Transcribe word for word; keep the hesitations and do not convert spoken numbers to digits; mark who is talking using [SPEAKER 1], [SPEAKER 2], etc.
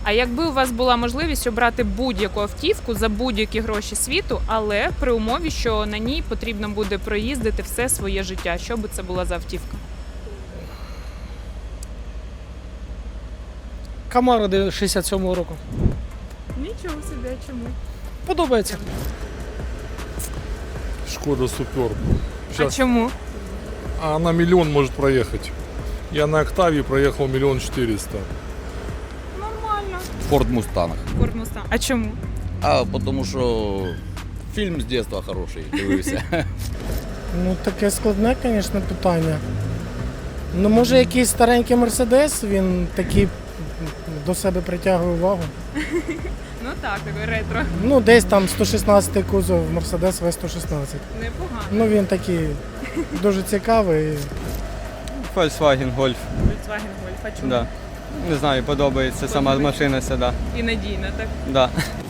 [SPEAKER 1] А якби у вас була можливість обрати будь-яку автівку за будь-які гроші світу, але при умові, що на ній потрібно буде проїздити все своє життя, що би це була за автівка?
[SPEAKER 2] Камара шістдесят сьомого року.
[SPEAKER 1] Нічого собі, а чому?
[SPEAKER 2] Подобається.
[SPEAKER 3] Шкода Супер.
[SPEAKER 1] А чому?
[SPEAKER 3] А она миллион может проехать. Я на Октаве проехал миллион четыреста.
[SPEAKER 1] Нормально.
[SPEAKER 4] Форд Мустанг.
[SPEAKER 1] Форд Мустанг. А чому?
[SPEAKER 4] А тому що фільм з дитинства хороший, дивився.
[SPEAKER 5] Ну, таке складне, звісно, питання. Ну, може, якийсь старенький Мерседес, він такий до себе притягує увагу.
[SPEAKER 1] Ну так, такий ретро.
[SPEAKER 5] Ну, десь там сто шістнадцятий кузов Мерседес В сто шістнадцять.
[SPEAKER 1] Непогано.
[SPEAKER 5] Ну, він такий дуже цікавий.
[SPEAKER 6] Volkswagen Golf.
[SPEAKER 1] Volkswagen Golf. А чому?
[SPEAKER 6] Да. Не знаю, подобається сама машина сюди.
[SPEAKER 1] І надійна, так?
[SPEAKER 6] Да.